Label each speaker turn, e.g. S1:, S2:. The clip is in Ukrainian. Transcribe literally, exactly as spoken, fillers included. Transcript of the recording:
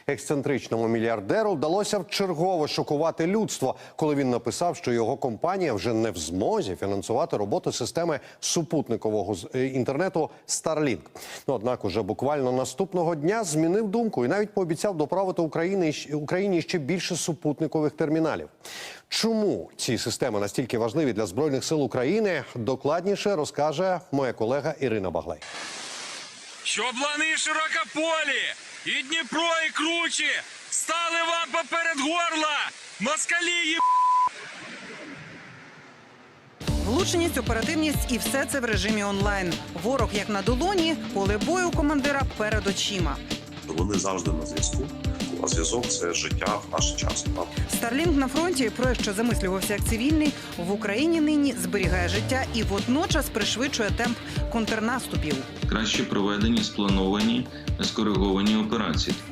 S1: Ексцентричному мільярдеру вдалося вчергово шокувати людство, коли він написав, що його компанія вже не в змозі фінансувати роботу системи супутникового інтернету Starlink. Ну, однак уже буквально наступного дня змінив думку і навіть пообіцяв доправити Україні, Україні ще більше супутникових терміналів. Чому ці системи настільки важливі для Збройних сил України, докладніше розкаже моя колега Ірина Баглай.
S2: Щоб лани широкополі, і Дніпро, і кручі стали вам поперед горла, москалі є...
S3: Влученість, оперативність і все це в режимі онлайн. Ворог як на долоні, поле бою командира перед очима.
S4: Вони завжди на зв'язку. А зв'язок – це життя в наш час.
S3: Starlink на фронті, проект, що замислювався як цивільний, в Україні нині зберігає життя і водночас пришвидшує темп контрнаступів.
S5: Краще проведені, сплановані, скориговані операції.